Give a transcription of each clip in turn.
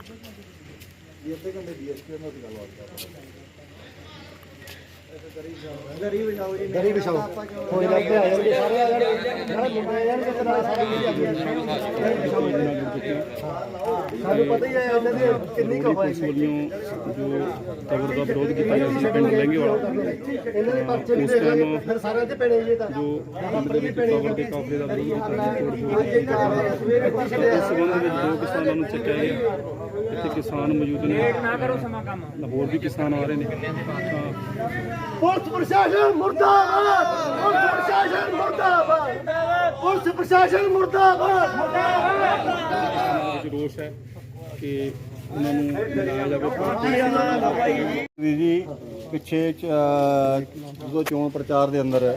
गरी बिछाओ कोई लगते आ जाएंगे सारे आ जाएंगे मुंडे यार कितने नाल साडी सानू पता ही है ਇਹਨਾਂ ਦੀ ਕਿੰਨੀ ਕੁ ਹੋਏਗੀ जो तबर का विरोध किया गया ਸੀ ਪਿੰਡ ਲਹਿੰਗੇ ਵਾਲਾ ਇਹਨਾਂ ਦੇ ਪਰਚੇ ਵੀ ਦੇਖ ਫਿਰ ਸਾਰਿਆਂ ਤੇ ਪੈਣੇ ਜੀ ਤਾਂ ਜੋ ਤਬਰ ਦੇ ਕਾਫਲੇ ਦਾ ਵਿਰੋਧ ਕੀਤਾ ਇਸ ਸੰਬੰਧ ਵਿੱਚ ਦੋ ਕਿਸਾਨਾਂ ਨੂੰ ਚੱਕਿਆ ਗਿਆ। ਇੱਥੇ ਕਿਸਾਨ ਮੌਜੂਦ ਨੇ, ਹੋਰ ਵੀ ਕਿਸਾਨ ਆ ਰਹੇ ਨੇ। ਪੁਲਿਸ ਪ੍ਰਸ਼ਾਸਨ ਮੁਰਦਾਬਾਦ, ਪੁਲਿਸ ਪ੍ਰਸ਼ਾਸਨ ਮੁਰਦਾਬਾਦ, ਪੁਲਿਸ ਪ੍ਰਸ਼ਾਸਨ ਮੁਰਦਾਬਾਦ, ਮੁਰਦਾਬਾਦ। ਰੋਸ਼ ਹੈ ਕਿ ਉਹਨਾਂ ਨੂੰ ਲਾਇਆ ਜਾਵੇ। ਜੀ ਪਿੱਛੇ ਜਦੋਂ ਚੋਣ ਪ੍ਰਚਾਰ ਦੇ ਅੰਦਰ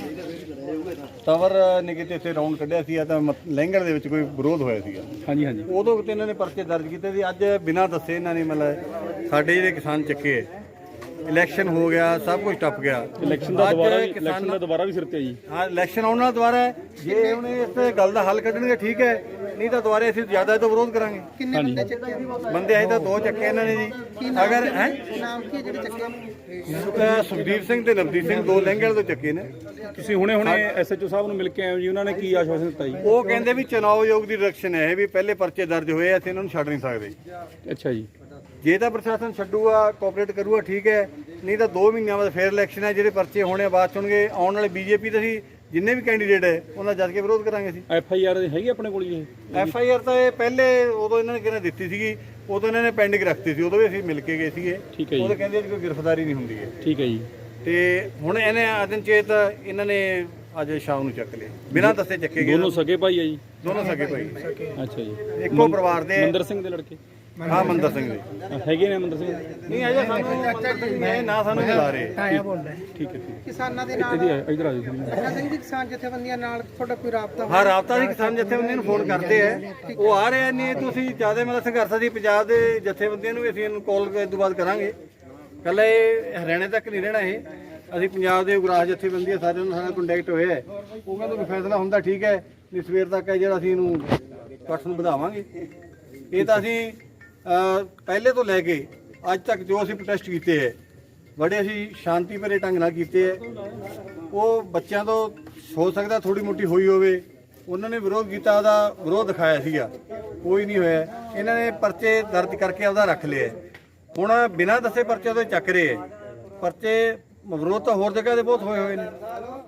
ਤਵਰ ਨੇ ਕਿਤੇ ਇੱਥੇ ਰਾਉਂਡ ਕੱਢਿਆ ਸੀ ਤਾਂ ਲਹਿੰਗਣ ਦੇ ਵਿੱਚ ਕੋਈ ਵਿਰੋਧ ਹੋਇਆ ਸੀਗਾ। ਹਾਂਜੀ ਹਾਂਜੀ, ਉਦੋਂ ਕਿਤੇ ਇਹਨਾਂ ਨੇ ਪਰਚੇ ਦਰਜ ਕੀਤੇ ਸੀ। ਅੱਜ ਬਿਨਾਂ ਦੱਸੇ ਇਹਨਾਂ ਨੇ ਮਤਲਬ ਸਾਡੇ ਜਿਹੜੇ ਕਿਸਾਨ ਚੱਕੇ, ਇਲੈਕਸ਼ਨ ਹੋ ਗਿਆ, ਸਭ ਕੁਝ ਟੱਪ ਗਿਆ। ਇਲੈਕਸ਼ਨ ਦਾ ਦੁਬਾਰਾ ਵੀ ਸਿਰ ਤੇ ਜੀ। ਹਾਂ, ਇਲੈਕਸ਼ਨ ਆਉਣ ਨਾਲ ਦੁਬਾਰਾ ਹੈ। ਜੇ ਹੁਣ ਇਸ ਗੱਲ ਦਾ ਹੱਲ ਕੱਢਣਗੇ ਠੀਕ ਹੈ, ਨਹੀਂ ਤਾਂ ਦੁਬਾਰਾ ਅਸੀਂ ਜ਼ਿਆਦਾ ਤੋਂ ਵਿਰੋਧ ਕਰਾਂਗੇ। ਕਿੰਨੇ ਬੰਦੇ ਚੱਕੇ ਬੰਦੇ ਆਏ ਤਾਂ ਦੋ ਚੱਕੇ ਇਹਨਾਂ ਨੇ ਜੀ। ਅਗਰ ਹੈ ਨਾਮ ਕੀ ਜਿਹੜੇ ਚੱਕੇ? ਸੁਖਦੀਪ ਸਿੰਘ ਤੇ ਨਵਦੀਪ ਸਿੰਘ, ਦੋ ਲਹਿੰਗਣ ਤੋਂ ਚੱਕੇ ਨੇ। ਤੁਸੀਂ ਹੁਣੇ ਐਸਐਚਓ ਸਾਹਿਬ ਨੂੰ ਮਿਲ ਕੇ ਆਏ ਹੋ ਜੀ, ਉਹਨਾਂ ਨੇ ਕੀ ਆਸ਼ਵਾਸਨ ਦਿੱਤਾ ਜੀ? ਉਹ ਕਹਿੰਦੇ ਵੀ ਚੁਣਾਵ ਆਯੋਗ ਦੀ ਡਾਇਰੈਕਸ਼ਨ ਹੈ ਵੀ ਪਹਿਲੇ ਪਰਚੇ ਦਰਜ ਹੋਏ, ਅਸੀਂ ਇਹਨਾਂ ਨੂੰ ਛੱਡ ਨਹੀਂ ਸਕਦੇ। ਅੱਛਾ ਜੀ, ਜੇ ਤਾਂ ਪ੍ਰਸ਼ਾਸਨ ਛੱਡੂਗਾ, ਕੋਆਪਰੇਟ ਕਰੂਗਾ ਠੀਕ ਹੈ, ਨਹੀਂ ਤਾਂ 2 ਮਹੀਨਿਆਂ ਬਾਅਦ ਫੇਰ ਇਲੈਕਸ਼ਨ ਹੈ। ਜਿਹੜੇ ਪਰਚੇ ਹੋਣੇ ਬਾਅਦ ਸੁਣਗੇ ਆਉਣ ਵਾਲੇ ਬੀਜੇਪੀ ਦੇ ਅਸੀਂ ਜਿੰਨੇ ਵੀ ਕੈਂਡੀਡੇਟ ਹੈ ਉਹਨਾਂ ਜੱਜ ਕੇ ਵਿਰੋਧ ਕਰਾਂਗੇ। ਅਸੀਂ ਐਫਆਈਆਰ ਹੈਗੀ ਆਪਣੇ ਕੋਲ ਜੀ? ਐਫਆਈਆਰ ਤਾਂ ਇਹ ਪਹਿਲੇ ਉਦੋਂ ਇਹਨਾਂ ਨੇ ਕਿਹਨੇ ਦਿੱਤੀ ਸੀਗੀ, ਉਦੋਂ ਇਹਨਾਂ ਨੇ ਪੈਂਡਿੰਗ ਰੱਖਤੀ ਸੀ, ਉਦੋਂ ਵੀ ਅਸੀਂ ਮਿਲ ਕੇ ਗਏ ਸੀਗੇ। ਠੀਕ ਹੈ ਜੀ, ਉਹ ਕਹਿੰਦੇ ਕੋਈ ਗ੍ਰਿਫਤਾਰੀ ਨਹੀਂ ਹੁੰਦੀ ਹੈ। ਠੀਕ ਹੈ ਜੀ। ਤੇ ਹੁਣ ਇਹਨੇ ਅਦਨਚੇਤ ਇਹਨਾਂ ਨੇ ਅੱਜ ਸ਼ਾਮ ਨੂੰ ਚੱਕ ਲਿਆ, ਬਿਨਾਂ ਦੱਸੇ ਚੱਕੇ ਗਏ। ਦੋਨੋਂ ਸਕੇ ਭਾਈ ਆ ਜੀ? ਦੋਨੋਂ ਸਕੇ ਭਾਈ। ਅੱਛਾ ਜੀ, ਇੱਕੋ ਪਰਿਵਾਰ ਦੇ। ਮੰਦਰ ਸਿੰਘ ਦੇ ਲੜਕੇ? ਹਾਂ, ਮੰਦਰ ਸਿੰਘ ਦੇ ਹੈਗੇ ਨੇ। ਮੰਦਰ ਸਿੰਘ ਨਹੀਂ ਅਜੇ ਸਾਨੂੰ ਮੈਂ ਨਾ ਸਾਨੂੰ ਬੁਲਾ ਰਹੇ। ਠੀਕ ਹੈ। ਕਿਸਾਨਾਂ ਦੇ ਨਾਲ ਇਧਰ ਆ ਜਾਓ। ਕਿਸਾਨ ਸਿੰਘ ਦੀ ਕਿਸਾਨ ਜਥੇਬੰਦੀਆਂ ਨਾਲ ਤੁਹਾਡਾ ਕੋਈ ਰਾਬਤਾ? ਹਾਂ, ਰਾਬਤਾ ਦੀ ਕਿਸਾਨ ਜਥੇਬੰਦੀਆਂ ਨੂੰ ਫੋਨ ਕਰਦੇ ਆ, ਉਹ ਆ ਰਹੇ ਨੇ। ਤੁਸੀਂ ਜਿਆਦਾ ਮਤਲਬ ਸੰਘਰਸ਼ ਦੀ ਪੰਜਾਬ ਦੇ ਜਥੇਬੰਦੀਆਂ ਨੂੰ ਅਸੀਂ ਇਹਨੂੰ ਕਾਲ ਇਸ ਤੋਂ ਬਾਅਦ ਕਰਾਂਗੇ। ਕੱਲਾ ਇਹ ਹਰਿਆਣੇ ਤੱਕ ਨਹੀਂ ਰਹਿਣਾ, ਇਹ ਅਸੀਂ ਪੰਜਾਬ ਦੇ ਉਗਰਾਹ ਜਥੇਬੰਦੀਆਂ ਸਾਰਿਆਂ ਨਾਲ ਸਾਡਾ ਕੰਟੈਕਟ ਹੋਇਆ ਹੈ। ਉਹ ਕਹਿੰਦੇ ਵੀ ਫੈਸਲਾ ਹੁੰਦਾ ਠੀਕ ਹੈ, ਨਹੀਂ ਸਵੇਰ ਤੱਕ ਹੈ ਜਿਹੜਾ ਅਸੀਂ ਇਹਨੂੰ ਇਕੱਠ ਨੂੰ ਵਧਾਵਾਂਗੇ। ਇਹ ਤਾਂ ਅਸੀਂ ਪਹਿਲੇ ਤੋਂ ਲੈ ਕੇ ਅੱਜ ਤੱਕ ਜੋ ਅਸੀਂ ਪ੍ਰੋਟੈਸਟ ਕੀਤੇ ਹੈ, ਬੜੇ ਅਸੀਂ ਸ਼ਾਂਤੀ ਭਰੇ ਢੰਗ ਨਾਲ ਕੀਤੇ ਹੈ। ਉਹ ਬੱਚਿਆਂ ਤੋਂ ਹੋ ਸਕਦਾ ਥੋੜੀ ਮੋਟੀ ਹੋਈ ਹੋਵੇ, ਉਹਨਾਂ ਨੇ ਵਿਰੋਧ ਕੀਤਾ, ਉਹਦਾ ਵਿਰੋਧ ਦਿਖਾਇਆ ਸੀਗਾ, ਕੋਈ ਨਹੀਂ ਹੋਇਆ। ਇਹਨਾਂ ਨੇ ਪਰਚੇ ਦਰਜ ਕਰਕੇ ਉਹਦਾ ਰੱਖ ਲਿਆ। ਹੁਣ ਬਿਨਾਂ ਦੱਸੇ ਪਰਚੇ ਤੋਂ ਚੱਕ ਰਹੇ ਹੈ। ਪਰਚੇ ਵਿਰੋਧ ਤਾਂ ਹੋਰ ਜਗ੍ਹਾ ਦੇ ਬਹੁਤ ਹੋਏ ਨੇ।